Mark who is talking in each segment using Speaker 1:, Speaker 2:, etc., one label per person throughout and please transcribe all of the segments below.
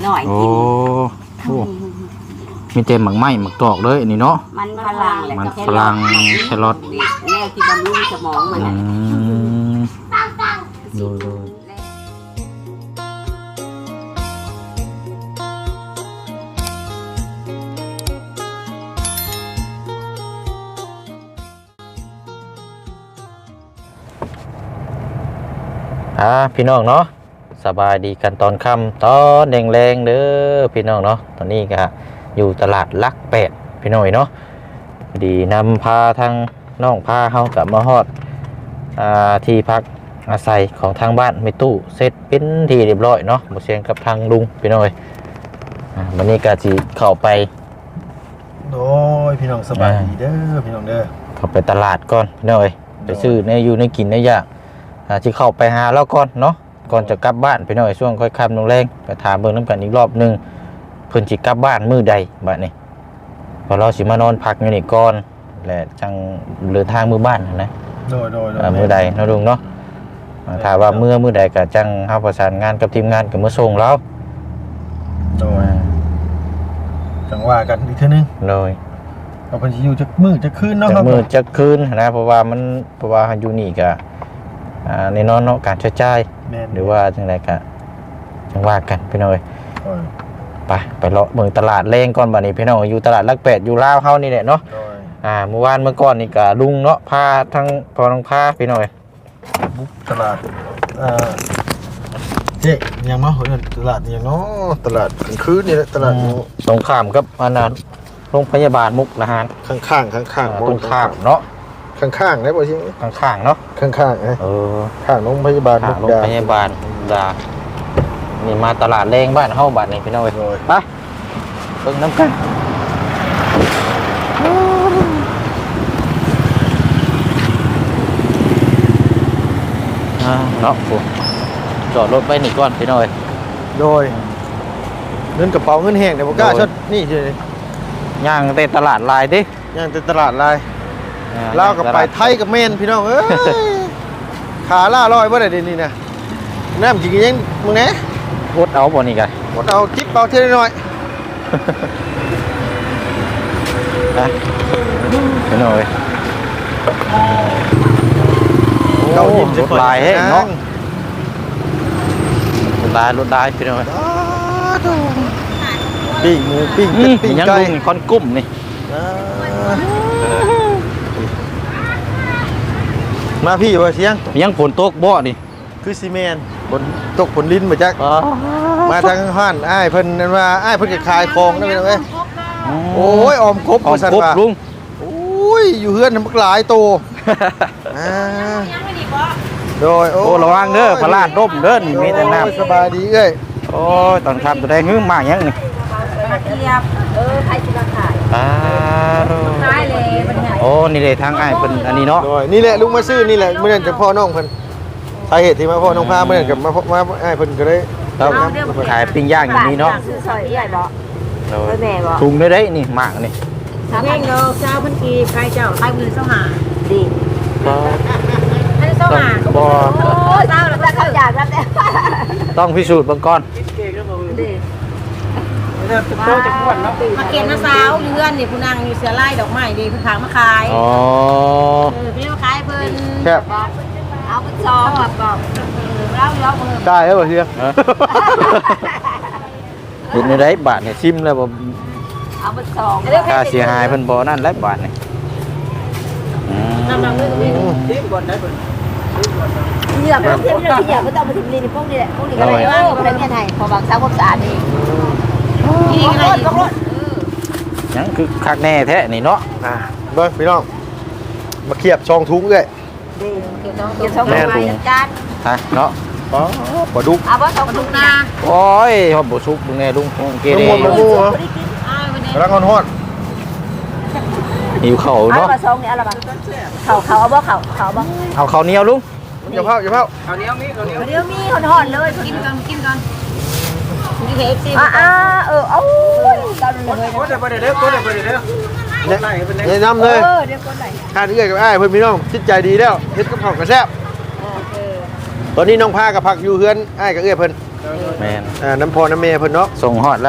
Speaker 1: หน่อย
Speaker 2: โอ้มีเต็มหมักไหม้หมักตอกเลยนี่เนาะ
Speaker 1: มันฝรั่งแหละ
Speaker 2: มันฝรั่งแครอท
Speaker 1: แนวที่บำรุงสมองมัน
Speaker 2: ดูพี่น้องเนาะสบายดีกันตอนค่ำตอนแดงๆเด้อพี่น้องเนาะตอนนี้ก็อยู่ตลาดลักแปดพี่น้อยเนาะดีนำพาทางน้องพาเฮากลับมาฮอดที่พักอาศัยของทางบ้านไม่ตู้เสร็จเป็นที่เรียบร้อยเนาะบ่เสียงกับทางลุงพี่น้อยวันนี้ก็สิเข้าไป
Speaker 3: โอ้ยพี่น้องสบายดีเด้อพี่น้องเด้อ
Speaker 2: เข้าไปตลาดก่อนพี่น้อยไปซื้อในอยู่ในกินในอย่างที่เข้าไปหาแล้วก่อนเนาะก่อนจะกลับบ้านพี่น้อยช่วงค่อยค่ำลงแรงไปถามเบิ่งน้ำกันอีกรอบนึงเพิ่นสิกลับบ้านมื้อใดบัดนี้พอเราสิมานอนพักอยู่นี่ก่อนและจังเดินทางมื้อบ้านนะ
Speaker 3: โดย
Speaker 2: มื้อใดเนาะลุงเนาะถ้าว่ามื้อใดก็จังเฮาประสานงานกับทีมงานก็มื้อส่งแล้ว
Speaker 3: โดยจังว่ากันอีกเทื่อนึง
Speaker 2: โดย
Speaker 3: เอาเพิ่นสิอยู่จักมื้อจักคืนเนาะ
Speaker 2: จักมื้อจักคืนนะเพราะว่าอยู่นี่ก็ในนอนเนาะการใช้จ่ายหรือว่าจังไดก็จังว่ากันพี่น้อยไปเลาะเมืองตลาดแรงก่อนบัดนี้พี่น้องอยู่ตลาดลักแปดอยู่ลาวเฮานี่แหละเนาะเมื่อวานเมื่อก่อนนี่ก็ลุงเนาะพาทั้งพอน้องพาพี่น้อย
Speaker 3: บุกตลาดเจ๊ยังมาเฮ้ยตลาดยังเนาะตลาดกลางคืนนี่แหละตลาด
Speaker 2: ตรงข้ามกับอันนั้นโรงพยาบาลมุกดาหาร
Speaker 3: ข้าง
Speaker 2: ตรงข้ามเนาะ
Speaker 3: ข้างได้บ่ชิ
Speaker 2: ข้างเนาะ
Speaker 3: ข้างข้างโรงพยาบาล
Speaker 2: โรงพยาบาลดานี่มาตลาดแรงบ้านเฮาบ้านนี่พี่น้องไปเบิ่งน้ำกันเนาะจอดรถไว้นี่ก่อนพี่น้อย
Speaker 3: โดยเงินกระเป๋าเงินแห้งเดี๋ยวบ่กล้าชดนี่เฉย
Speaker 2: ย่างแต่ตลาดลายดิ
Speaker 3: ย่างแต่ตลาดลายลาวกับไปไทยกับเมนพี่น้องเอ้ยขาล่าลอยบ่ได้เดี๋ยวนี้นะน้ำจริงยังมึงแหน่
Speaker 2: วดเอาบ่นี่กัน
Speaker 3: วดเอาจิ๊บเอาเท่าน้อย
Speaker 2: พี่น้อย
Speaker 3: เราหยิบ
Speaker 2: รถลายให้เนาะรถลายพี่น้อย
Speaker 3: ปิ้งหมูปิ้ง
Speaker 2: ยังลุงคอนกุ้มนี่
Speaker 3: มาพี่ว่าเสียง
Speaker 2: ยังฝนตกบ่นี่
Speaker 3: คือซีเมนฝนตกฝนลิ้นมาจักมาทางห้านอ้ายเพิ่นนั่นว่าอ้ายเพิ่นจะขายของได้ไหมโอ้ยออมครบ
Speaker 2: ลุง
Speaker 3: โอ้ยอยู่เฮือนมันหลายโตโดย
Speaker 2: โอ้ระวังเด้อพลาดร่มเด้อมีแต่น้
Speaker 3: ำสบายดีเอ้ย
Speaker 2: โอ้ยตอนทำตัวแดงหึ่งมากยังนี่
Speaker 1: ใครจะมาขายขายเลย
Speaker 2: โอ้นี่เลยทางอ้ายเป็นอันนี้เนาะ
Speaker 3: นี่แหละลุงมาซื้อนี่แหละเมื่อนั้นจะพ่อน้องเพิ่นสาเหตุที่มาพ่อน้องพาเมื่อนั้นกับมาอ้ายเพิ่นก็ได้
Speaker 2: ขายปิ้งย่างอย่างนี้เนาะถุงได้นี่หมากนี่
Speaker 1: แม่งเจ้าพันกีใครเจ้าใครมือเจ้าหาดีให้เจ้าหาโอ้เจ้าแล้วก็อยากแล้วแต่
Speaker 2: ต้องพิสูจน์เบื้องก่อน
Speaker 1: มาเก็บน้ำสาวเลื่อนนี่ผู้นางมีเสือไล่ดอกไม้ดีผู้ขางมาขายพี่มาขายเพิ่นเอาไปซองแบบบอกแล้วมือ
Speaker 3: ได้แล้วบ่เฮีย
Speaker 2: เห็นในได้บาทเนี่ยซิมแล้วบ่
Speaker 1: เอาไปซอง
Speaker 2: ค่าเสียหายเพิ่นบ่นั่นแล้วบาทนี่
Speaker 1: น้ำเลยซิมก่อนได้เพิ่นเหยียบไม่ต้องมาถึงนี่พวกนี้แหละพวกนี้ก็ได้ว่าเป็นแค่ไหนพอบางสาวความสะอาดเองนี่ไง
Speaker 2: ยังคือคักแน่แท้นี่เนาะ
Speaker 3: เบิ้งพี่น้องมาเขียบช่องทุ้งเลย
Speaker 2: แม่ถุงฮะเนาะ
Speaker 3: ปลาดุก
Speaker 1: ปลาดุกนะ
Speaker 2: โอ้ยหอมบุซุกมึงไงลุงเกเร
Speaker 3: รังงอนฮอด
Speaker 2: หิวเข่าเนาะ
Speaker 1: ซองนี่อะไรบ้างเข่าเอาบ่เข่าบ่
Speaker 2: เอาเข่าเหนียวลุง
Speaker 3: อย่าเผา
Speaker 1: เข่าเหนียวมีห่อนเลยกินก่อนมีเค้กซิเอา
Speaker 3: กันเลยแนะนำเลยทานเอื้อยกับอ้ายเพื่อนพี่น้องจิตใจดีแล้วเฮ็ดกับข้าวกระแซ่บตอนนี้น้องพากับผักอยู่เฮือนอ้ายกับเอื้อยเพิ่น
Speaker 2: แม่น
Speaker 3: น้ำพอน้ำเมย์เพิ่นเนาะ
Speaker 2: ส่งฮอดแล้ว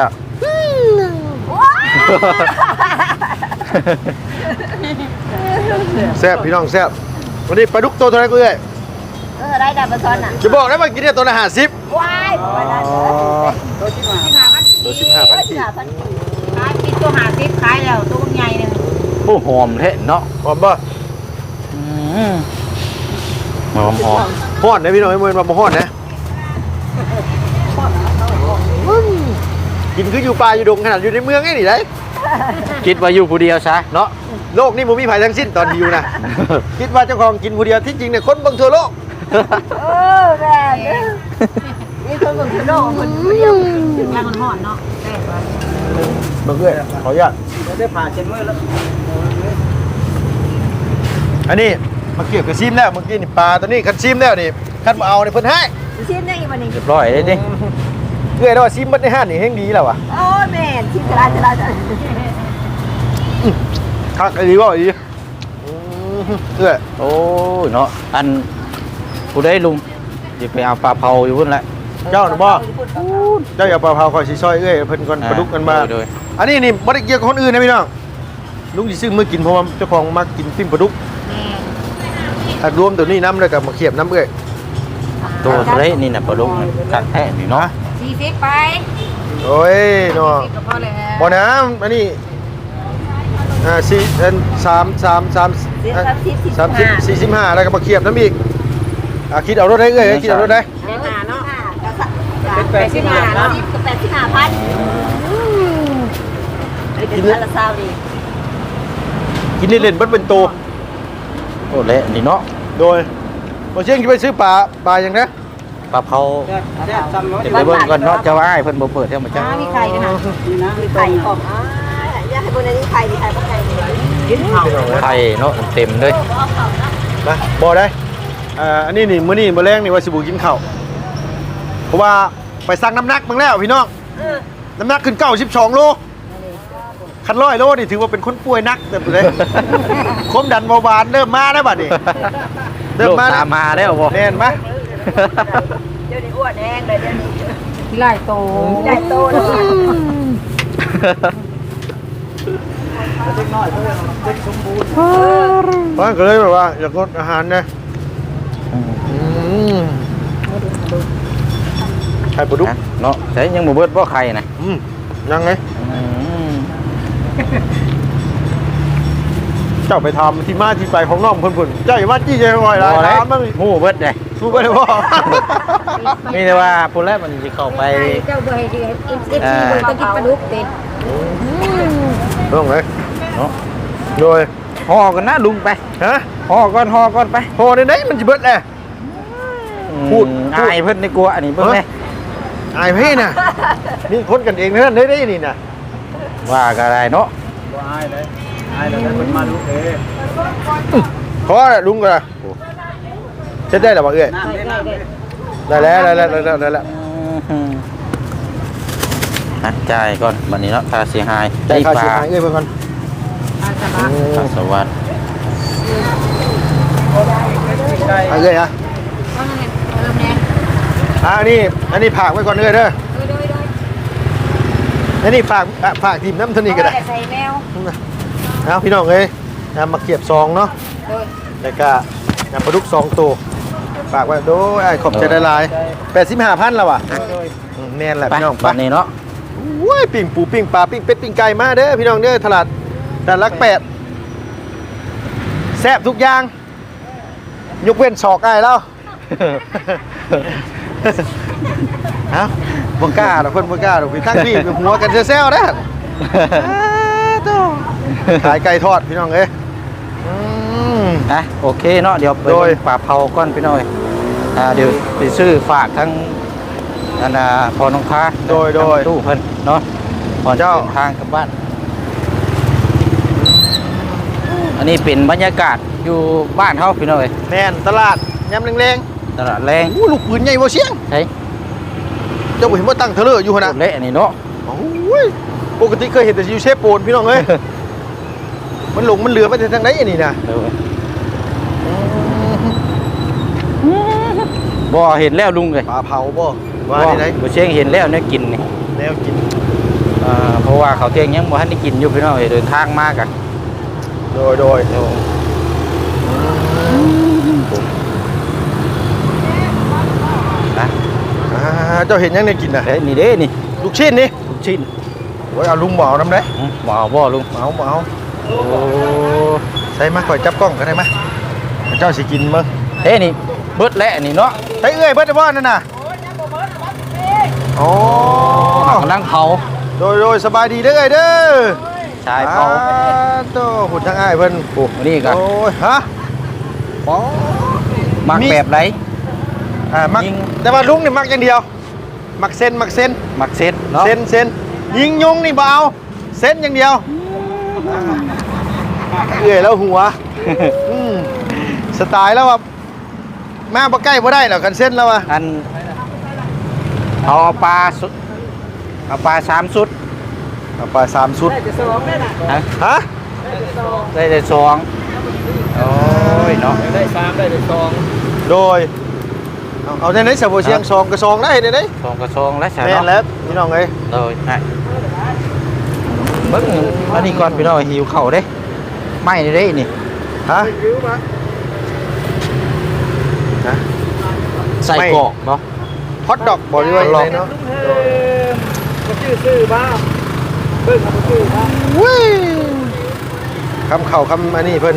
Speaker 3: แซ่บพี่น้องแซ่บวันนี้ปลาดุกตัวเท่าไหร่กูเอ้ย
Speaker 1: ได้ดับมาซ้อนอ่ะ
Speaker 3: จะบอกได้ว่ากินเนี่ยตัวละ50
Speaker 1: ว้ายบอกว่าได้ ตัว15,000ขายกินตัว50ขายแล้วตัวใหญ่นึง
Speaker 2: โอ้หอมแท้เนาะ
Speaker 3: หอมบ่
Speaker 2: หอม
Speaker 3: ฮ้อนนะพี่น้องไอ้เมืองว่าบ่ฮ้อนนะกินคืออยู่ป่าอยู่ดงขนาดอยู่ในเมืองไงนี่ได้
Speaker 2: คิดว่าอยู่ผู้เดียวซะเนาะ
Speaker 3: โลกนี้บ่มีภัยทั้งสิ้นตอนที่อยู่นะ คิดว่าเจ้าของกินผู้เดียวที่จริงเนี่ยคนเบิ่งทั่วโลก
Speaker 1: แม่นี่คนคนโลกคนเดียวถึงแล้วมันห่อนเนาะแต่ว่า
Speaker 3: เบิ่งเอ้ยขออนุญาต
Speaker 4: ได้ผ่าเช็ดมือแล้ว
Speaker 3: อันนี้มาเกี่ยวกับซิมแล้วเมื่อกี้นี่ปลาตัวนี้คันซิมแล้วนี่คันบ่เอานี่เพิ่นให้
Speaker 1: ชิ้นได้อีกวันนี้
Speaker 2: เรียบร้อยเลยดิ
Speaker 3: เอ้ยแล้วว่าซิมเบิดในห้านนี่แฮงดีแล้วว่ะ
Speaker 1: โอ้แม่ชิ้นจะได้จะ
Speaker 3: คักดีบ่อีเอ้ย
Speaker 2: โอ้ยเนาะอันผู้ได้ลุงอย่าไปเอาปลาเผาอยู่พุ่นแหละ
Speaker 3: เจ้าน่ะบ่เจ้าอย่าปลาเผาคอยสิซอยเอ้ยเพิ่นก่อนปลาดุกกันมา
Speaker 2: โดย
Speaker 3: อันนี้นี่บ่ได้เกี่ยวกับคนอื่นนะพี่น้องลุงสิซื้อมื้อกินเพราะว่าเจ้าของมักกินปิ้งปลาดุกถ้ารวมตัวนี้น้ำแล้วก็มาเขียบน้ำเอ้ย
Speaker 2: ตัวเละนี่น่ะปลาดุกกัดแท้นี่เนาะ
Speaker 1: 40ไป
Speaker 3: โอ้ยเนาะ
Speaker 1: ก็พอแล้ว
Speaker 3: บ่น้ำอันนี้4อัน45แล้วก็มาเขียบน้ำอีกคิดเอารถได้เอ้ยคิดเอารถได้
Speaker 1: เนาะ85เนาะ85,000กินละ20ดี
Speaker 3: กินเล่นๆเบิดเป็นโต
Speaker 2: โอ้เละนี่เนาะ
Speaker 3: โดยบ่เชียงสิไปซื้อปลาหยังนะ
Speaker 2: ปลาเผา
Speaker 4: แซ่บซ้ำเนาะ
Speaker 2: เดี๋ยวไปเบิ่งก่อนเนาะเจ้าอ้ายเพิ่นบ่เปิดเท่ามาจ้า
Speaker 1: มีไข่ด้วยนะ
Speaker 4: นี่นะ
Speaker 1: มีไข่ของอยากให้คนนี้ไข่มีไข่บ่ไข่กินเผา
Speaker 2: ไข่เนาะเต็มเลย
Speaker 3: นะบ่ได้อันนี้นี่มื้อนี้มื้อแรงนี่ว่าสิบ่กินข้าวเพราะว่าไปสั่งน้ำหนักเบิ่งแล้วพี่น้องน้ำหนักขึ้น92โลคัน100โลนี่ถือว่าเป็นคนป่วยหนักแต่เลยความดันเบาหวานเริ่มมาแล้วบัดนี้เริ่ม
Speaker 2: โลก
Speaker 3: มา
Speaker 2: ตามมาแล้วบ่
Speaker 3: แน่นมั้ย
Speaker 1: เดี๋ยวนี้อ้วนแห้งเลยเดี๋ยวนี้หลายโตหลายโตเลย
Speaker 4: เล็กน้อยเพื่อนเล็กสมบูรณ์
Speaker 3: เพราะงั้นก็เลยแบบว่าอยากลดอาหารนะไข่ปลาดุก
Speaker 2: เนาะใช้ยังบ่เบิดบ่ไข่นะ
Speaker 3: ยังไงเจ้าไปทำที่มาที่ไปของน้องเพิ่นๆเจ้าอย่ามาจี้ใจบ่อยหลายถามบ้าง
Speaker 2: หมู่เบิดได้
Speaker 3: รู้บ่ได้บ่
Speaker 2: มีแต่ว่าพุ่นแรกมันสิเข้าไป
Speaker 1: เจ้าเบอร์ให้ดีเอฟซีเบอร์ต้องกินปลาดุกเป็น
Speaker 3: ต้องเลย
Speaker 2: เนาะ
Speaker 3: โดย
Speaker 2: ห่อกันนะลุงไป
Speaker 3: ฮะ
Speaker 2: ห่อก่อนไป
Speaker 3: โหในไหนมันจะเบิดแหละ พูด
Speaker 2: อายเพิ่นในกลัวอันนี้เบิ่งแม่
Speaker 3: อายพี่น่ะนี่คนกันเองนั่นได้นี่น่ะ
Speaker 2: ว่าก็ได้เนาะ
Speaker 4: บ่อายเลยอายแล้วได้คนมาดูเอ้
Speaker 3: ขอลุงก็เช็ดได้หรอบ่เอ้ย
Speaker 4: น้ำได้น้ำได้
Speaker 3: ได้แล้ว
Speaker 2: นัดจ่ายก่อนบัดนี้เนาะค่าเสียหาย
Speaker 3: ได้ค่าเสียหายเอ้ยเพิ่นก่อน
Speaker 2: ค่าสวัสดิ์
Speaker 4: ได้
Speaker 3: เอ้ยอ่ะอันนี้ฝากไว้ก่อนเอ้ยเด้ออันนี้ฝากทีมน้ำเท่านี้ก็ได้
Speaker 1: ใส่แมว
Speaker 3: เอาพี่น้องเอ้ยมาเก็บซองเนาะแล้วก็ปลาดุก2ตัวฝากไว้โดยขอบใจหลายๆ85,000แล้วว่ะแม่นแหละ
Speaker 2: ไป
Speaker 3: พี่น้อง
Speaker 2: บัดนี้เนาะ
Speaker 3: โอ้ยปิ้งปูปิ้งปลาปิ้งเป็ดปิ้งไก่มาเด้อพี่น้องเด้อตลาดลัก8แซ่บทุกอย่างยกเว้นศอกอ้ายแล้ว เอ้าบ่กล้าดอกเพิ่นบ่กล้าดอกพี่ทั้งพี่เป็นหัวกันแซวๆเด้อขายไก่ทอดพี่น้องเอ้ย
Speaker 2: อ่ะโอเคเนาะเดี๋ยวไป
Speaker 3: โดย
Speaker 2: ปลาเผาก่อนพี่น้อยเดี๋ยวไปซื้อฝากทั้งอันพอน้องค้า
Speaker 3: โดย
Speaker 2: ตู้เพิ่นเนาะพอ
Speaker 3: เจ้า
Speaker 2: เดินทางกลับบ้าน อันนี้เป็นบรรยากาศอยู่บ้านเฮาพี่น้อย
Speaker 3: แม่นตลาดยำแรง
Speaker 2: ตลาดแรง
Speaker 3: ๆโอ้ลูกปืนใหญ่บ่เสียง
Speaker 2: เฮ้ย
Speaker 3: เจ้าบ่เห็นว่าตั้งเทเลอร์อยู่หั่นน่ะ
Speaker 2: เละนี่เนาะ
Speaker 3: โอ้ยปกติเคยเห็นแต่อยู่เชฟโปนพี่น้องเอ้ย มันหลงมันเหลือไปทางไหนอันนี้น่ะ
Speaker 2: บ่เห็นแล้วลุงเลย
Speaker 3: ปลาเผาบ่ว่าที่ไหน
Speaker 2: บ่เชียงเห็นแล้วเนี่ยกินนี่
Speaker 3: แนวกิน
Speaker 2: เพราะว่าเขาเที่ยงยังบ่ทันได้กินอยู่พี่น้องเดินทางมากะ
Speaker 3: โดย
Speaker 2: นะ
Speaker 3: เจ้าเห็นยังเนี่ยกินน่ะ
Speaker 2: เฮ้ยนี่เด้นี่
Speaker 3: ลูกชิ้นนี่
Speaker 2: ลูกชิ้น
Speaker 3: โอ้ยเอาลุงบ่เอาน้ำได้
Speaker 2: บ่เอาบ่ลุง
Speaker 3: เอา
Speaker 2: โอ้
Speaker 3: ใส่มาก่อยจับกล้องกันได้ไหมเจ้าสิกินมั้ง
Speaker 2: เฮ้ยนี่เบิดแล้วนี่เนาะ
Speaker 3: ใส่เอ้ยเบิดได้บ่นั่นน่ะโอ้
Speaker 2: กำลังเผา
Speaker 3: โดยสบายดีเด้อเอ้ยเด้อ
Speaker 2: ชายเผา
Speaker 3: โตหุ่นทางอ้ายเพิ่น
Speaker 2: โอ้นี่ก็
Speaker 3: โอ้ยฮะ
Speaker 2: มักแบบไหน
Speaker 3: มัก
Speaker 2: ยิง
Speaker 3: แต่ว่าลุงนี่มักอย่างเดียวมักเส้น
Speaker 2: มักเซ็ตเนาะ
Speaker 3: เส้นยิงยุงนี่บ่เอาเส้นอย่างเดียวเอื้อยแล้วหัวสไตล์แล้วว่ามาบ่ใกล้บ่ได้หรอกกันเส้นแล้วว่ะ
Speaker 2: อันเอาปลาสุดเอาปลา3ชุด
Speaker 3: เอาไป3ชุด ฮะ
Speaker 2: ได้แต่2โอ้ยเนาะ
Speaker 4: ได้3ได้2
Speaker 3: โดยเอาในไหนสะบ่เชียง2กับ2ได้ในไหน
Speaker 2: 2กับ2แล้วใช่
Speaker 3: แม่น
Speaker 2: เนาะ
Speaker 3: แล้วพี่น้องเอ้ย
Speaker 2: โดยให้เบิ่งอันนี้ก่อนพี่น้องหิวข้าวเด้ไม่ได้นี่
Speaker 3: ฮะฮะ
Speaker 2: ใส่กรอกเนาะ
Speaker 3: ฮอทดอกบ่ด้วยอะไรเนาะ
Speaker 4: ก็ชื่อบ้าเบิ่งเขาชื่อบ้า
Speaker 3: วุ้ยคำเข่าคำอันนี้เพิ่น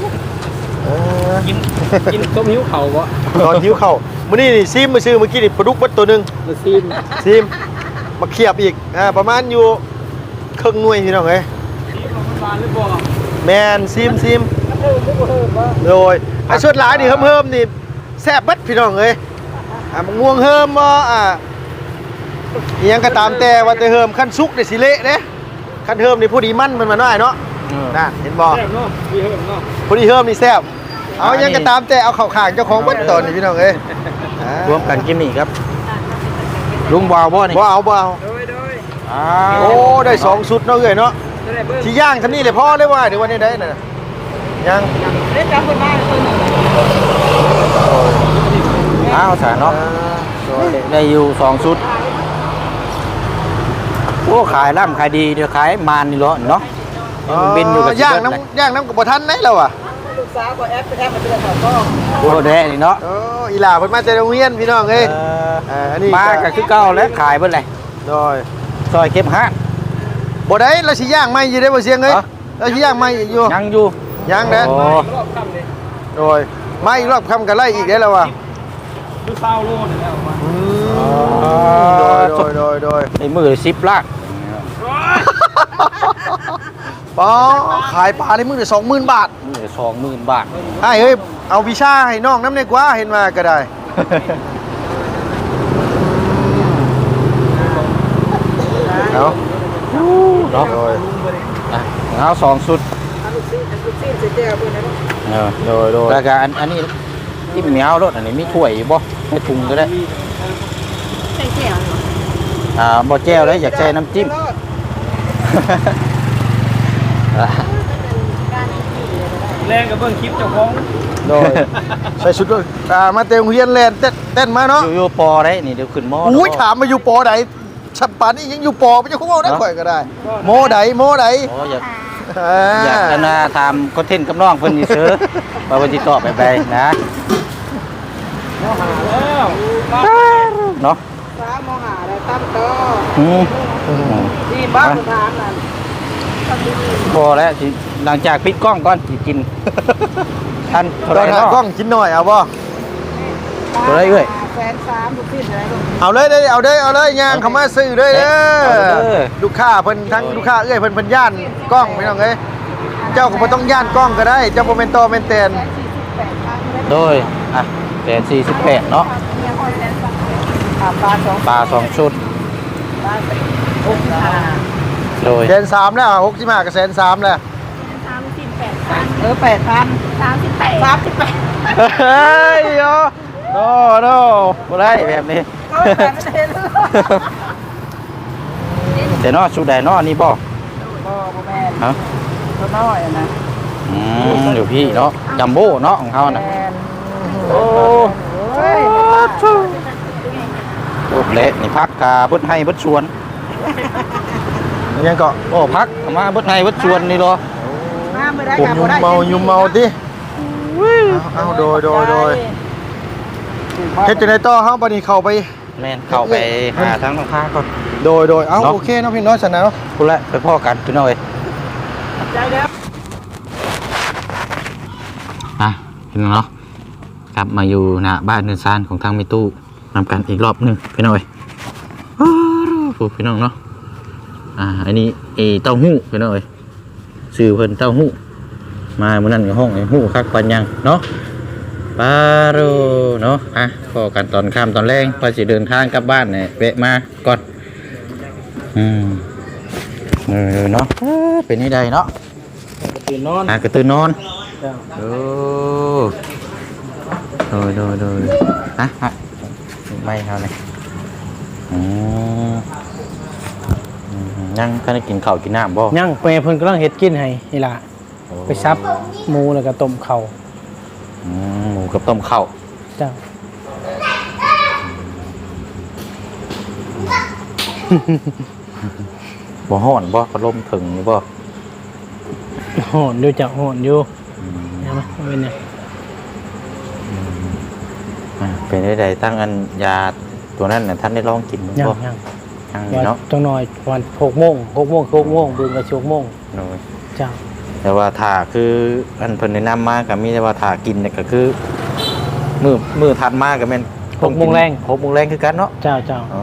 Speaker 4: กินต้มหิ้วเข่าบ่
Speaker 3: ตอนหิวเข่ามื้อนี้นี่ซิมมาซื้อเมื่อกี้นี่ปลาดุกเบัดตัวหนึง
Speaker 4: มาซีม
Speaker 3: ซิมมาเขียบอีกประมาณอยู่ครึ่งหน่วยพี่น้องเอ้ย
Speaker 4: บานหรือบ่
Speaker 3: แมนซิมโดยไอ้ชุดหลายนี่เฮิมๆนี่แซ่บเบัดพี่น้องเอ้ยมันง่วงเฮิมบ่อิหยังก็ตามแต่ว่าแต่เฮิมขั้นสุกได้สิเละเด้ขั้นเฮิมนี่ผู้ดีมันมาหน่อยเนาะน่ะเห็นบ่
Speaker 4: แซ่บเนาะมีเฮิมเนาะ
Speaker 3: ผู้ดีเฮิมนี่แซ่บเอาอิหยังก็ตามแต่เอาเข้าข้างเจ้าของเบัดตอนนี้พี่น้องเอ้ย
Speaker 2: รวมกันกินนี่ครับลุงบ่าวบ่นี่
Speaker 3: บ่เอา
Speaker 4: โดย
Speaker 3: โอ้ได้2ชุดเนาะเอ้ยเนาะ
Speaker 4: ได้เบิ่ง
Speaker 3: ที่ย่างท่านี้เลยพ่อได้ว่าเดี๋ยววันนี้ได้น่ะย่าง
Speaker 4: ได้จับคนมาคนนึง
Speaker 2: อ้าวสาเนาะได้อยู่2ชุดโอ้ขายร่ำขายดีเดี๋ยวขายมานนี่เหรอเนาะบินอยู่กับ
Speaker 3: ย่างน้ำกับบ่ทันไหนแล้วอ่ะ
Speaker 4: ลูกสาวก็แอปมาเดือน2ก็
Speaker 2: โอ้แดนี่เนาะ
Speaker 3: อีหล่าเพิ่นมาจากโรงเรียนพี่น้องเอ้ยอันนี้
Speaker 2: มาก็คือเก่าแล้วขายเบิ่นเลย
Speaker 3: โดย
Speaker 2: ซอยเก็บห้า
Speaker 3: บ่ได้เราสิย่างใหม่อยู่ได้บ่เสียงเอ้ย
Speaker 2: ฮะ
Speaker 3: เราสิย่างใหม่อยู่
Speaker 2: ยังอยู่
Speaker 3: ย่างเด้
Speaker 2: โอ้
Speaker 4: รอบค่ำเลย
Speaker 3: โดยมาอีกรอบค่ำก็ไล่อีกได้แล้วว่ะ
Speaker 4: ลูกสาวโลนึงแล้วมา
Speaker 3: โดย
Speaker 2: ในมือ10ลาก
Speaker 3: ป๋อขายปลาในมื้อละ 20,000 บาท
Speaker 2: มือ20,000 บาท
Speaker 3: ไอ้เฮ้ยเอาวิชาให้น้องนำได้กว่าเห็นว่าก็ได้เอา
Speaker 2: เนาะ
Speaker 3: โดย
Speaker 2: อ่ะเอา2ชุด
Speaker 4: ลูกซีเสียแก้วเพิ่นนะ
Speaker 3: โดย
Speaker 2: แล้วก็อันนี้ที่เหมียวรถอันนี้มีถ้วยอยู่บ่ให้ถุงก็ได้
Speaker 1: ใส่แจ่วเหรอ
Speaker 2: บ่แจ้วแล้วอยากใช้น้ำจิ้ม
Speaker 4: แรงกับเบิ่งคลิปเจ้าของ
Speaker 3: โดยใส่ชุดด้วยมาเต็มเฮียนแลนเต้นมาเนาะ
Speaker 2: อยู่ปอได้นี่เดี๋ยวขึ้นมอ
Speaker 3: อุ้ยถามมาอยู่ปอไหนฉับปานนี่ยังอยู่ปอไม่ใช่คุ้มเอาได้ข่อยก็ได้ โมไหน
Speaker 2: โอ้อยากจะทำคอนเทนต์กับน้องเพิ่นนี่ซื้อมาวันที่ต่อไปนะ
Speaker 4: แล้ว
Speaker 2: เนาะ
Speaker 4: สามมหาได้ตั้มโต ที่บ้านทางนั้น
Speaker 2: พอแล้วสิหลังจากปิดกล้องก่อนสิกินท่านเท่า
Speaker 3: ต
Speaker 2: ไห
Speaker 3: อ
Speaker 2: ร่
Speaker 3: นหา
Speaker 2: เนาะ
Speaker 3: กล้องกินหน่อยเอาบ่
Speaker 2: เท่าไหร่เอ้ย
Speaker 4: 130,000ทุกสิ้นอะไรลูก
Speaker 3: เอาเลยเอาเลยย่างเขามาซื้อเลยเด้
Speaker 2: เอาเด้
Speaker 3: อ
Speaker 2: อ
Speaker 3: ลูกค้าเพิ่นทั้งลูกค้าเอ้ยเพิ่นย่านกล้องไม่ต้องเอ้ยเจ้าก็บ่ต้องย่านกล้องก็ได้เจ้าบ่แม่นต่อแม่นแตน
Speaker 2: โดยอ่ะ48เนาะ
Speaker 4: ปลาสอง
Speaker 2: ปลา2ชุด โดย
Speaker 3: แสนสามแล้ว65ก็แสนสามแล้ว
Speaker 4: 8,000 38
Speaker 3: เฮ้ยโย
Speaker 2: โนบ่ได้แบบนี้ แต่เนาะชุดใดเนาะนี่บ่
Speaker 4: บ่แม่น
Speaker 2: ฮะ
Speaker 4: ตัวน้อยนะ
Speaker 2: อยู่พี่เนาะจัมโบ้เนาะของเขาน่ะ
Speaker 4: แม่น
Speaker 2: โอ้
Speaker 4: เฮ้ย
Speaker 2: โอ้เละนี่พักกาเบิดให้เบิดชวน
Speaker 3: ยังก็
Speaker 2: โอ้พักเอามาเบิดให้เบิดชวนนี่เหรอ
Speaker 4: มาไม่ได้
Speaker 3: ผม
Speaker 4: กับ
Speaker 3: ยุ่ม
Speaker 4: ได้
Speaker 3: เมายุ่มเมาติเอาโดยเฮ็ดจังได๋ต่อเฮาบัดนี้เข้าไป
Speaker 2: แม่นเข้าไปหาทั้งค้าก่อน
Speaker 3: โดยเอาโอเคเนาะพี่น้อยสันนะเนาะ
Speaker 2: พุ่นละไปพ่อกันพี่น้อย
Speaker 4: ใจเด้อ
Speaker 2: พี่น้องเนาะกลับมาอยู่หน้าบ้านเนินซานของทางมิตู้นำกันอีกรอบหนึงพี่น้อยพี่น้องเนาะอันนี้เต้าหู้พี่น้อยชื่อเพิ่นเต้าหู้มามื้อนั้นก็ห้องไอ้หู้คักปันยังเนาะปาโรเนาะพอกันตอนค่ำตอนแรงพอสิเดินทางกลับบ้านเนี่ยแวะมาก่อนเนาะเป็นนี่ใดเนาะ
Speaker 4: ตื่นนอน
Speaker 2: ก็ตื่นนอน
Speaker 4: จ้า
Speaker 2: โดยไม่เท่าไหร่ยังก็ได้กินข้าวกินน้ำบ่
Speaker 4: ยังเพิ่นกำลังเฮ็ดกินให้นี่ล่ะไปซับหมูแล้วก็ต้มข้าว
Speaker 2: หมูกับต้มข้าว
Speaker 4: จ้า
Speaker 2: บ่ฮ้อนบ่พัดลมถึงนี่บ่
Speaker 4: โหนอยู่จ้ะโหนอยู่เห็นไหมเป็นเนี่ย
Speaker 2: เป็นได้ใดตั้งอันยาตัวนั้นน่ะท่านได้ลองกินบ่
Speaker 4: ยัง
Speaker 2: เนาะ
Speaker 4: จังหน่อยวัน6 โมงบึงก็6 โมง
Speaker 2: โดย
Speaker 4: จ้า
Speaker 2: แต่ว่าถ้าคืออันเพิ่นแนะนำมาก็มีแต่ว่าถ้ากินเนี่ยก็คือมื้อถัดมาก็แม่น
Speaker 4: 6 โมงแรง
Speaker 2: 6 โมงแรงคือกันเนาะ
Speaker 4: เจ้า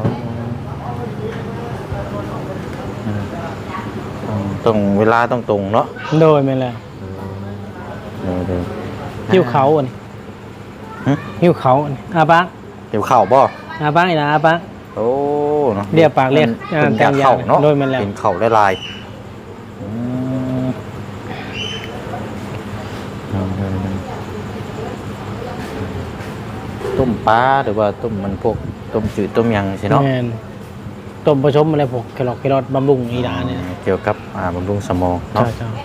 Speaker 2: ตรงเวลาต้องตรงเนาะ
Speaker 4: โดยแม่นแล้ว
Speaker 2: เดี๋ยว
Speaker 4: หิวเขาอันนี้หิวเขาอันนี้อาบัง
Speaker 2: เดี๋ยวข้าวบ่
Speaker 4: อาบังอีกนะอาบัง
Speaker 2: โอ้เนาะ
Speaker 4: เรียกปากเรียก
Speaker 2: เป็น
Speaker 4: แต่
Speaker 2: ยาง
Speaker 4: ยา
Speaker 2: เข่าเนาะ
Speaker 4: โดยแม่นแล้ว
Speaker 2: เป็นเข่าได้ลายต้มปลาหรือว่าต้มมันพวกต้มจืดต้มยังใช่เนาะ
Speaker 4: แม่นต้มผสมอะไรพวกแครอทบำรุงอีดาเนี่ย
Speaker 2: เกี่ยวกับบำรุงสมองเนาะ
Speaker 4: เจ้า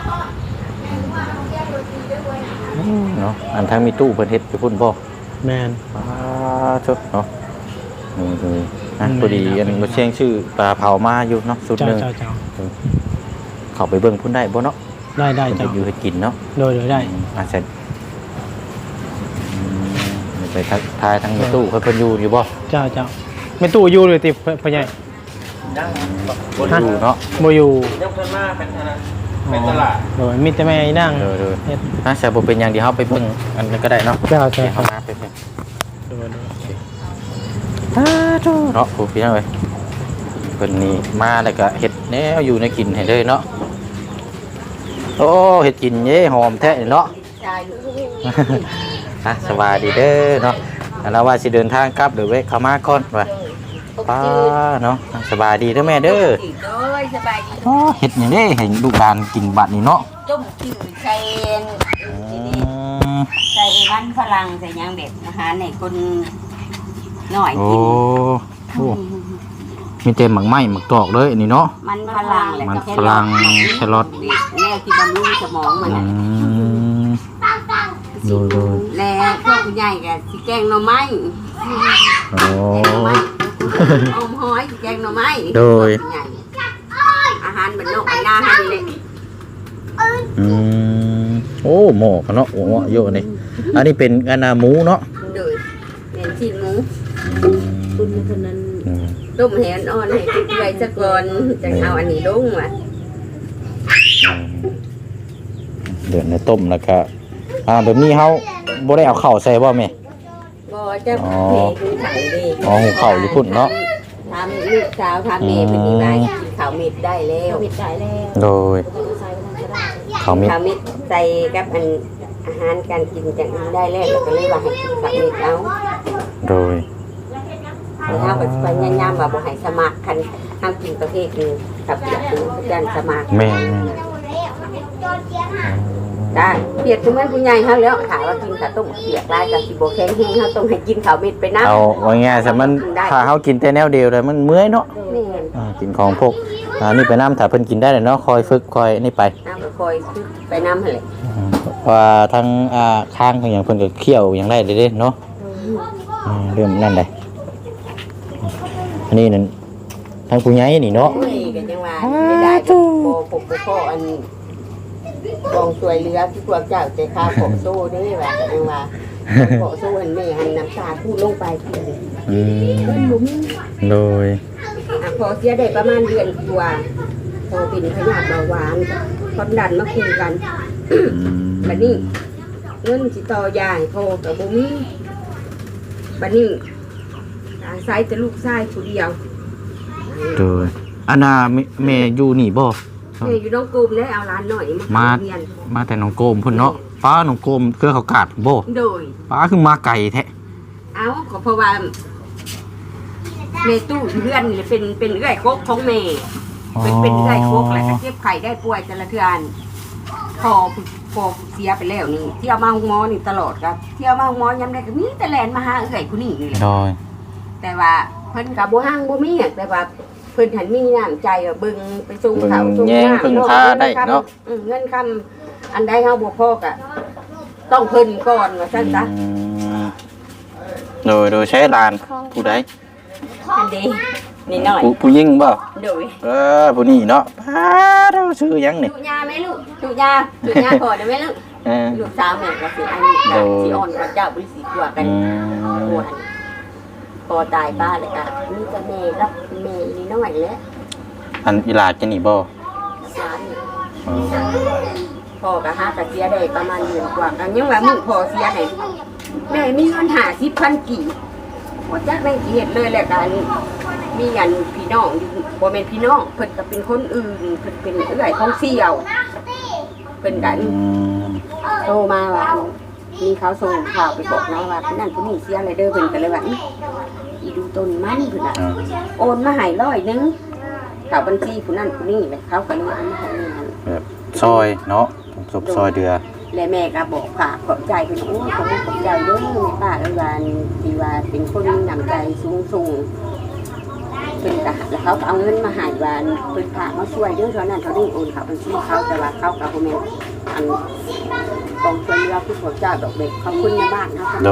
Speaker 2: เนาะอันทั้งมีตู้เพิ่นเฮ็ดไปพุ่นบ่
Speaker 4: แม่น
Speaker 2: ชดเนาะพอดีอันบ่เชียงชื่อปลาเผามาอยู่เนาะสุดหนึง
Speaker 4: เจ้า
Speaker 2: เข้าไปเบิ่งพุ่นได้บ่เนาะ
Speaker 4: ได้
Speaker 2: เพิ่น
Speaker 4: เจ้า
Speaker 2: จะอยู่ให้กินเนาะ
Speaker 4: โดยได้
Speaker 2: เสร็จไปทายทั้งมีตู้เพิ่นอยู่บ่
Speaker 4: เจ้าไม่ตู้อยู่เลยติพ่อใหญ่
Speaker 2: บ่อยู่เนาะ
Speaker 4: บ่อยู่
Speaker 3: ยังเพิ่นมาเป็นอะไร
Speaker 4: เป็นตลาดโดยมีแต่แม่นั่ง
Speaker 2: เด้อ
Speaker 4: เฮ็ด
Speaker 2: ๆแต่บ่เป็นหยังเดี๋ยวเฮาไปเบิ่งอันนั้นก็ได้เนาะ
Speaker 4: เจ้า
Speaker 2: เดี๋ยวเฮามาไปเบิ่ง
Speaker 4: โดย
Speaker 2: เนาะผู้พี่น้องเอ้ยเพิ่นนี่มาแล้วก็เฮ็ดแนวอยู่ในกินให้เลยเนาะโอ้เฮ็ดกินเย้หอมแท้เนาะ สบายดีเด้อเนาะแล้วว่าสิเดินทางกลับหรือเว้เข้ามาก่อนว่าป้าเนาะสบายดีเด้อแม่เด้อ
Speaker 1: สบายดี
Speaker 2: เฮ็ดหยังเด้เห็นลูกหลานกินบัดนี่เนาะ
Speaker 1: ต้มจืดใส่ใส่มันฝรั่งใส่ยางแบบอาหารในคนหน่อย
Speaker 2: โอ้
Speaker 1: กิน
Speaker 2: โหมีแต่หมักไหม้หมักตอกเลยอันนี้เนาะ
Speaker 1: มันฝรั่งแหละ
Speaker 2: มันฝรั่งแครอท
Speaker 1: แน่ที่บำรุงสมองมัน
Speaker 2: ดู
Speaker 1: แล้วพวกผู้ใหญ่ก็สิแกงหน่อไม้
Speaker 2: โอ้
Speaker 1: อมหอยแกงหน่อไม้อาหารบรรนกหน้าให้เลย
Speaker 2: โอ้หมอกันเนาะโอ้เยอะนี่อันนี้เป็นอันนาหมูเนาะ
Speaker 1: โดยเป็นชิ้นหมูคุณคนนั้นต้มแหนอ่อนให้ติดไว้สักก่อนจะเอาอันนี้ลงว่ะ
Speaker 2: เดือดในต้มแล้วก็แบบนี้เฮาบ่ได้เอาข้าวใส่บ่แม่
Speaker 1: บ่จะเมย์คือไข่ดิ
Speaker 2: อ๋อหุงข้าวอยู่พุ่นเนาะ
Speaker 1: ทำลูกสาวทำเมย์เป็นยังไงกินข้าวเม็ดได้แล้วเม็ดได้แล้ว
Speaker 2: โดยข้าวเม็ด
Speaker 1: ข้าวเม็ดใส่กับอันอาหารการกินจังได้แล้วแล้วก็เลยว่าให้กินข้าวเม็ดเอา
Speaker 2: โดย
Speaker 1: แล้วก็พยายามว่าบ่ให้สมัครคันห้ามกินประเภทนึงกับเปียกคือจันสมัคร
Speaker 2: แม่
Speaker 1: ได้เปียกคือเหมือนผู้ใหญ่เฮาแล้วถามว่ากินข้าวต้มเปียกได้ก็สิบ่แข็งแรงเฮาต้องให้กินข้าวเม็ดไปนำ
Speaker 2: เอาว่าง่ายๆซะมันถ้าเฮากินแต่แนวเดียวเลยมันเมื่อยเนาะ
Speaker 1: แม่น
Speaker 2: กินของพวกนี่ไปน้ำถ้าเพิ่นกินได้เลยเนาะคอยฝึกคอยนี่ไป
Speaker 1: น้ำก็คอยซื้อไปนำหั่นแหละ
Speaker 2: ว่าทั้งข้างของอย่างเพิ่นก็เคี่ยวอย่างไรเด้เนาะเริ่มนั่นได้อันนี้นั่นทางผู้ใหญ่นี่เนาะ
Speaker 4: โอ้ยก็จังว่าไม่ได้ก็บ่ผมบ่พออันกองช่วยเหลือที่พวกเจ้าใจข้าวของสู้นี่ว่าก็จังว่าของสู้อันแม่หันน้ำตาพูดลงไปทีนึง
Speaker 2: อืม
Speaker 4: หลุม
Speaker 2: โดย
Speaker 4: พอเสียได้ประมาณเดือนกว่าพอเป็นพยาธิเบาหวานความดันมาคุยกันบัดนี้เงินสิต่อยายพอกับบ่มีบัดนี้อาศัยแต่ลูกชายผู้เดียว
Speaker 2: โดยอันน่ะแม่อยู่นี่บ่
Speaker 4: แม่อยู่น้องกลุ่มได้เอาร้านหน่อย
Speaker 2: มา
Speaker 4: เรียน
Speaker 2: มาแต่หนองโกมพุ่นเนาะป้าหนองโกมเครือเขากาดบ่
Speaker 4: โดย
Speaker 2: ป้าคือมาไก่แท้
Speaker 4: เอาก็เพราะว่าแม่ตู้เพื่อนนี่เป็นเอื้อยโคกของแม่เป็นเอื้อยโคกแหละก็เจ็บไข้ได้ป่วยแต่ละเทื่อพอเสียไปแล้วนี่เที่ยวมาห้องหมอนี่ตลอดครับเที่ยวมาห้องหมอยามใดก็มีแต่แลนมาหาเอื้อยผู้นี้นี่แหละ
Speaker 2: โดย
Speaker 4: แต่ว่าเพิ่นก็บ่ห้างบ่มีอะแต่ว่าเพิ่นหันมีน้ำใจว่าเบิ่งไปส่งเขาส่ง
Speaker 2: แยงพึ่งพาได้เนาะ
Speaker 4: เงินคำอันใดเฮาบ่พอก็ต้องเพิ่นก่อนว่าซั่นซะ
Speaker 2: โดยใช้ลานผู้ใด
Speaker 4: อันเด้นี่น้อย
Speaker 2: ผู้หญิงบ่
Speaker 4: โดย
Speaker 2: ผู้นี้เนาะป้าเราชื่อหยังนี่
Speaker 4: ดุยาไหมลูกดุยาพอได้ไหมลูก
Speaker 2: เออ
Speaker 4: ลูกสาวแม่ก็สิอันนี้ก็สิอ่อนกว่าเจ้าบริสิทธิ์กว่ากันปวดพอตายป้าเลยค่ะนี่ก็แม่รับแม่นี่น้อยแล้ว
Speaker 2: อันอีหลาจะนี่บ่
Speaker 4: สามพ่อก็หากะเสียได้ประมาณเดือนกว่ากันยังว่ามึงพอเสียได้แม่มีเงิน50,000กี่บ่จักแม่กี่เฮ็ดเลยแหละกันมีอันพี่น้องอยู่บ่แม่นพี่น้องเพิ่นก็เป็นคนอื่นเพิ่นเป็นเอื้อยของเสี่ยวเพิ่นกันโตมาว่ามีเขาส่งข่าวไปบอกน้องว่าพี่นั่นพี่นี่เสียอะไรเด้อเพิ่นก็เลยว่าอีดูต้นมันเพิ่นน่ะโอนมาให้100นึงข่าวบัญชีผู้นั่นผู้นี่เลยเขาก็เลยเอามาให้เงิน
Speaker 2: แบบซอยเนาะศพซอยเดือ
Speaker 4: และแม่ก็บอกฝากขอบใจเพิ่นโอ้ขอบคุณขอบใจเด้อแม่ป้าเอ้ยว่าที่ว่าเป็นคนมีน้ำใจสูงเพิ่นก็แล้วเขาก็เอาเงินมาให้ว่าเพิ่นฝากมาช่วยเด้อเท่านั้นเท่านี้โอนเขาบัญชีเขาแต่ว่าเขาก็บ่แม่นอันกองช่วยเหลือผู้พระเจ้าดอกเด็กขอบคุณในบ้านเฮาค่ะ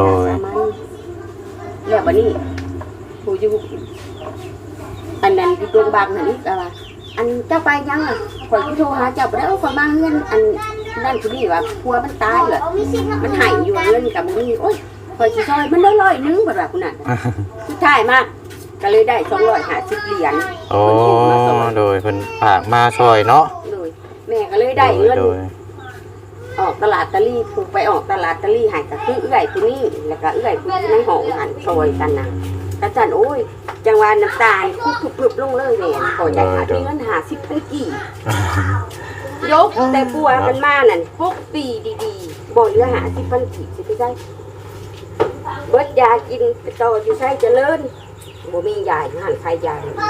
Speaker 4: แล้วบัดนี้ผู้อยู่อันนั้นอยู่ตรงบางนั่นนี่ก็ว่าอันเจ้าไปยังอ่ะข่อยโทรหาเจ้าบ่ได้เอาข่อยมาเฮือนอันนั่นผู้นี้ว่าผัวมันตายเหรอมันหายอยู่เงินกับมึงโอ้ยข่อยสิซอยมันได้100นึงบัดว่าพุ่นน่ะสุดท้ายมาก็เลยได้250เหรียญ
Speaker 2: โอ้โดยเพิ่นฝากมาซอยเนาะ
Speaker 4: โดยแม่ก็เลยได้เงิน
Speaker 2: โดย
Speaker 4: ออกตลาดตะลี่ผูกไปออกตลาดตะลี่หายก็คือเอื้อยผู้นี้แล้วก็เอื้อยผู้ในห้องหันซอยกันน่ะกระจันโอ้ยจังหวะน้ำตาลคุบปึบลงเลยแม่ก่อนได้หาที่เงิน50,000กี่ยกแต่ปัวมันมานั่น6ปีดีๆบ่เหลือ50,000กี่สิไปได้เบิดยากินไปต่ออยู่ไสเจริญบ่มียาอยู่หันใครยา
Speaker 2: โดย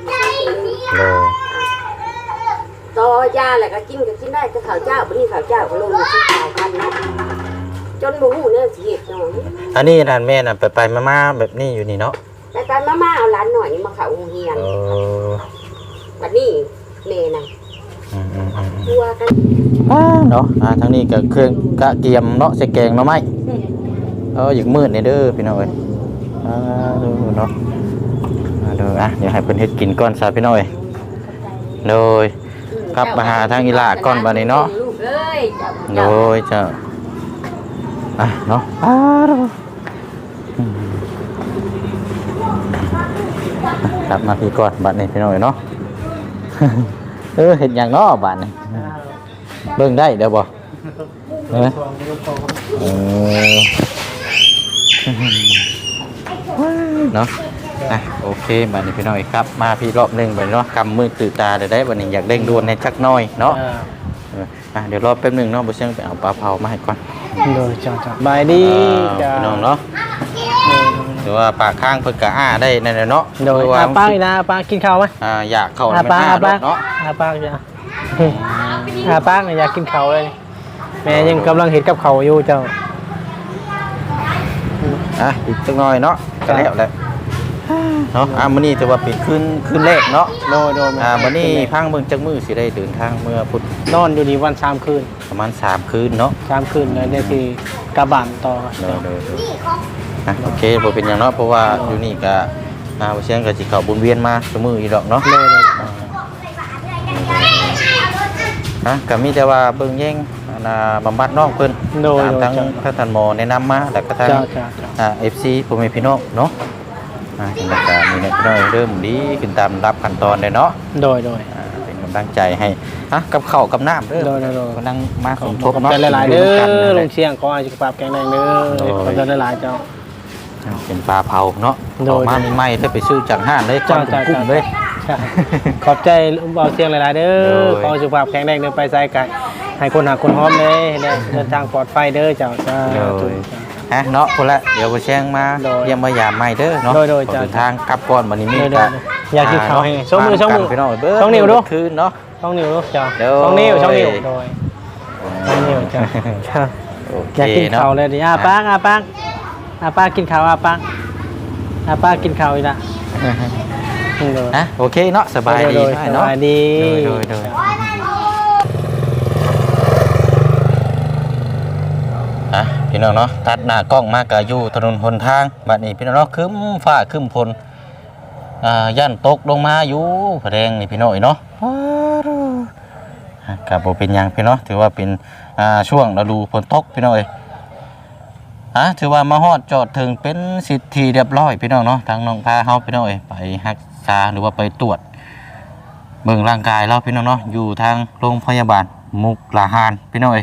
Speaker 4: ต่อยาแหละก็กินได้แต่ข้าวเจ้าบ่นี่ข้าวเจ้าก็ลงมาที่ข้าวกันเนาะจนบ่ฮู้เนี่ยสิเฮ็ดเนาะ
Speaker 2: อันนี้ร้านแม่น่ะไปมาๆแบบนี้อยู่นี่เนาะ
Speaker 4: แต่ตอนมาเอาหลานหน่อยนี่มาเข้าโรงเรียน
Speaker 2: เออ
Speaker 4: บัดนี้แม่น่ะ
Speaker 2: ๆ
Speaker 4: กลัวกัน
Speaker 2: เนาะทางนี้ก็เครื่องกะเกียมเนาะใส่แกงเนาะไหมอยากมืดนี่เด้อพี่น้องเอ้ยดูเนาะดูเดี๋ยวให้เพิ่นเฮ็ดกินก่อนซะพี่น้องเอ้ยโดยกลับมาหาทางอีหลาก่อนบัดนี้เนาะ
Speaker 4: ลูกเอ้ย
Speaker 2: โดยจะเนาะกลับมาพี่ก่อนบัดนี้พี่น้องเนาะ เห็นอย่างเนาะบัดนี้เบิ่งได้เดี๋ยวบ่เนาะโอเคบัดนี้พี่น้องครับมาพี่รอบนึงบัดเนาะกำมือตื่นตาได้บัดนี้อยากเร่งด่วนในจักน้อยเนาะเดี๋ยวรอแป๊บนึงเนาะบ่เชิงไปเอาปลาเผามาให้ก่อน
Speaker 5: โดยจ้าบายดีจ้า
Speaker 2: พี่น้องเนาะหรือว่าปากข้างเพิ่นก็ได้นั่นแหละเนาะ
Speaker 5: โดยป้าอีนะป้ากินข้าวไหม
Speaker 2: อยากเข้า
Speaker 5: ป้า
Speaker 2: เนาะ
Speaker 5: ป้าจ้าป้าอยากกินข้าวเลยแม่ยังกำลังเห็นกับเขาอยู่เจ้า
Speaker 2: อีกสักหน่อยเนาะก็แล้วแหละเนาะมื้อนี้ถือว่าเป็นคืนแรกเนาะ
Speaker 5: โดย
Speaker 2: มื้อนี้พังเบิ่งจักมื้อสิได้เดินทางเมื่อพุธ
Speaker 5: นอนอยู่นี่วัน3 คืน
Speaker 2: ประมาณ3คืนเนาะ
Speaker 5: 3 คืนเลยได้ที่กระบานต่อ
Speaker 2: โอเคบ่เป็นหยังเนาะเพราะว่าอยู่นี่ก็บ่เชียงก็สิเข้าบุญเวียนมาซุมื้ออีดอกเนาะ
Speaker 5: โดย
Speaker 2: ก็มีแต่ว่าเบิ่งแย่งบำบัดน้องเพิ่น
Speaker 5: โดย
Speaker 2: ตามทั้งท่านหมอแนะนำมาแล้วก็ทาง
Speaker 5: เจ้า
Speaker 2: FC พ่อแม่พี่น้องเนาะจังได๋ก็มีเนี่ยพี่น้องเริ่มดีขึ้นตามรับขั้นตอนเลยเนาะ
Speaker 5: โดย
Speaker 2: เป็นกำลังใจให้กับข้าวกับน้ำเด้อ
Speaker 5: โดย
Speaker 2: กำลังมาสมท
Speaker 5: ข
Speaker 2: บ
Speaker 5: อบ
Speaker 2: เนาะ
Speaker 5: ใจหลายๆเด้อลุงเชียงขอให้สุขภาพแข็งแรงเด้อขอบใจหลายๆเจ้า
Speaker 2: เป็นปลาเผาเนาะ
Speaker 5: โด
Speaker 2: อย อกมาใหม่ๆถ้าไปซื้อจากห้างเลยก้อนกุ้งเลย
Speaker 5: ใช่ขอบใจเบาเชียงหลายๆเด้อขอให้สุขภาพแข็งแรงเด้อไปไสไกลให้คนหาคนหอมเลยเดินทางปลอดภัยเด้อเจ้าสาธุ
Speaker 2: เนาะคนละเดี๋ยวไปแช่งมา
Speaker 5: โดย
Speaker 2: เยี่ยมมายามใหม่เด้อเนาะ
Speaker 5: โดย
Speaker 2: เดินทางกลับก่อนวันนี้มี
Speaker 5: โดยอยากกินข้าวให้ช่องมือ
Speaker 2: พี่น้องเบิ้
Speaker 5: ช่องนิ้วดู
Speaker 2: คืนเนาะ
Speaker 5: ช่องนิ้วลูกเจ้า
Speaker 2: โดย
Speaker 5: ช่องนิ้วโดยช่องนิ้วเจ้าอยากกินข้าวเลยดิป้ากินข้าวป้ากินข้าวอีกละ
Speaker 2: โอเคเนาะสบายดี
Speaker 5: ส
Speaker 2: เนาะ
Speaker 5: บายดี
Speaker 2: โดยพี่น้องเนาะตัดหน้ากล้องมากกะอยู่ถนนหนทางบัดนี้พี่น้องเนาะครึ้มฟ้าครึ้มฝนย่านตกลงมาอยู่แรงนี่พี่น้องเนาะกับบ่เป็นหยังพี่น้องถือว่าเป็นช่วงฤดูฝนตกพี่น้องถือว่ามาฮอดจอดถึงเป็นสิทธิเรียบร้อยพี่น้องเนาะทางน้องพาเฮาพี่น้องไปรักษาหรือว่าไปตรวจเบิ่งร่างกายเราพี่น้องเนาะอยู่ทางโรงพยาบาลมุกดาหารพี่น้อง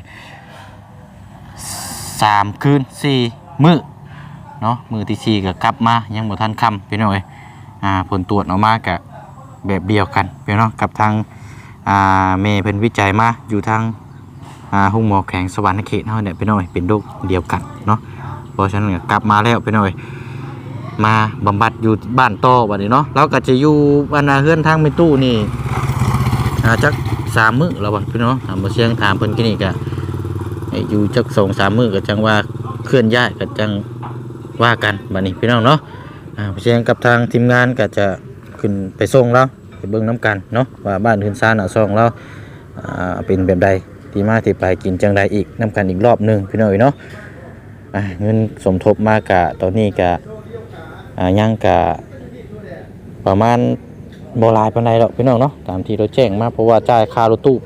Speaker 2: 3 คืน 4 มื้อเนาะมื้อที่4ก็กลับมายังบ่ทันค่ำพี่น้องผลตรวจออกมาก็แบบเดียวกันพี่น้องกับทางเมย์เพิ่นวิจัยมาอยู่ทางห้องหมอแข็งสวรรค์เขตเฮาเนี่ยพี่น้องเป็นโรคเดียวกันเนาะเพราะฉะนั้นกลับมาแล้วพี่น้องมาบำบัดอยู่บ้านต่อบัดนี้เนาะเราก็จะอยู่บ้านเฮือนทางแม่ตู้นี่จัก3 มื้อแล้วบ่พี่น้องบ่เสียงถามเพิ่นกินนี่ก็อยู่จัก 2-3 มื้อก็จังว่าเคลื่อนย้ายก็จังว่ากันบัดนี้พี่น้องเนาะเสียงกับทางทีมงานก็จะขึ้นไปส่งเราไปเบิ่งน้ำกันเนาะว่าบ้านเฮือนซ่านซ่องเราเป็นแบบใดที่มาที่ไปกินจังใดอีกน้ำกันอีกรอบนึงพี่น้องเนาะเงินสมทบมากะตอนนี้กะยังกะประมาณบ่หลายปานใดหรอกพี่น้องเนาะตามที่เราแจ้งมาเพราะว่าจ่ายค่ารถตู้ไป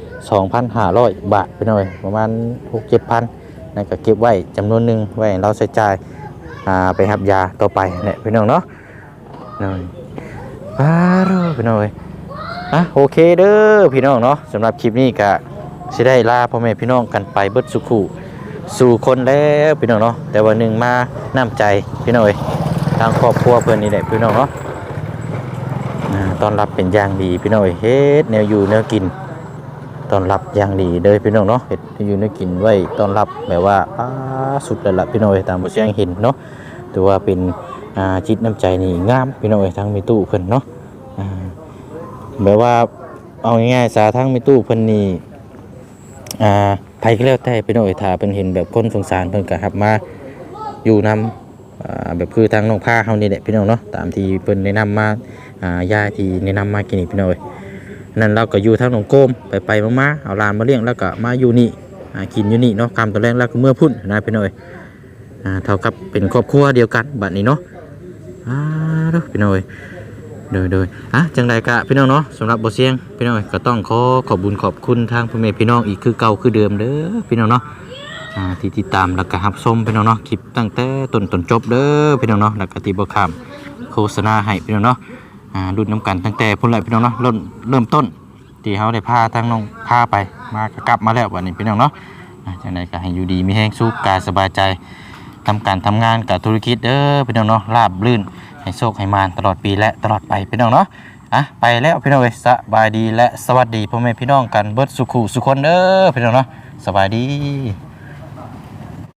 Speaker 2: 2,500 บาทพี่น้องประมาณ 6-7,000 นั่นก็เก็บไว้จำนวนหนึ่งไว้เราใช้จ่ายไปรับยาต่อไปเนี่ยพี่น้องเนาะน้อยพี่น้องโอเคเด้อพี่น้องเนาะสำหรับคลิปนี้ก็สิได้ลาพ่อแม่พี่น้องกันไปเบิดสุขุสู่คนแล้วพี่น้องเนาะแต่วันหนึ่งมาน้ำใจพี่น้องทางครอบครัวเพื่อนนี่แหละพี่น้องเนาะต้อนรับเป็นอย่างดีพี่น้องเฮ็ดแนวอยู่แนวกินต้อนรับอย่างดีเลยพี่น้องเนาะเฮ็ดอยู่แนวกินไว้ต้อนรับแบบว่าสุดเลยล่ะพี่น้องตามบ่เสียงเห็นเนาะถือว่าเป็นจิตน้ำใจนี่งามพี่น้องทางมีตู้เพิ่นเนาะแบบว่าเอาง่ายๆสาทางมีตู้เพิ่นนี่ไผก็แล้วแต่พี่น้องถ้าเพิ่นเห็นแบบคนสงสารเพิ่นก็รับมาอยู่นำแบบคือทางน้องพาเฮานี่แหละพี่น้องเนาะตามที่เพิ่นแนะนำมายาที่แนะนำมากินนี่พี่น้องนั่นเราก็อยู่ทางหนองโกมไปมาเอาหลานมาเลี้ยงแล้วก็มาอยู่นี่กินอยู่นี่เนาะคำตอนแรกแล้วก็เมื่อพุ่นนะพี่น้องเท่ากับเป็นครอบครัวเดียวกันบัดนี้เนาะพี่น้องโดยจังใดกะพี่น้องเนาะสำหรับบ่เสียงพี่น้องก็ต้องขอบบุญขอบคุณทางพ่อแม่พี่น้องอีกคือเก่าคือเดิมเด้อพี่น้องเนาะที่ติดตามแล้วก็รับชมพี่น้องเนาะคลิปตั้งแต่ต้นจบเด้อพี่น้องเนาะแล้วก็ที่บ่ข้ามโฆษณาให้พี่น้องเนาะรุ่นน้ำกันตั้งแต่พุ่นแหละพี่น้องเนาะเริ่มต้นที่เฮาได้พาทางน้องพาไปมาก็กลับมาแล้ววันนี้พี่น้องเนาะจังใดก็ให้อยู่ดีมีแรงสุขกายสบายใจทำการทำงานกับธุรกิจเด้อพี่น้องเนาะราบรื่นให้โชคให้มานตลอดปีและตลอดไปพี่น้องเนาะไปแล้วพี่น้องสบายดีและสวัสดีพ่อแม่พี่น้องกันเบิดสุขุสุคนเด้อพี่น้องเนาะสบายดี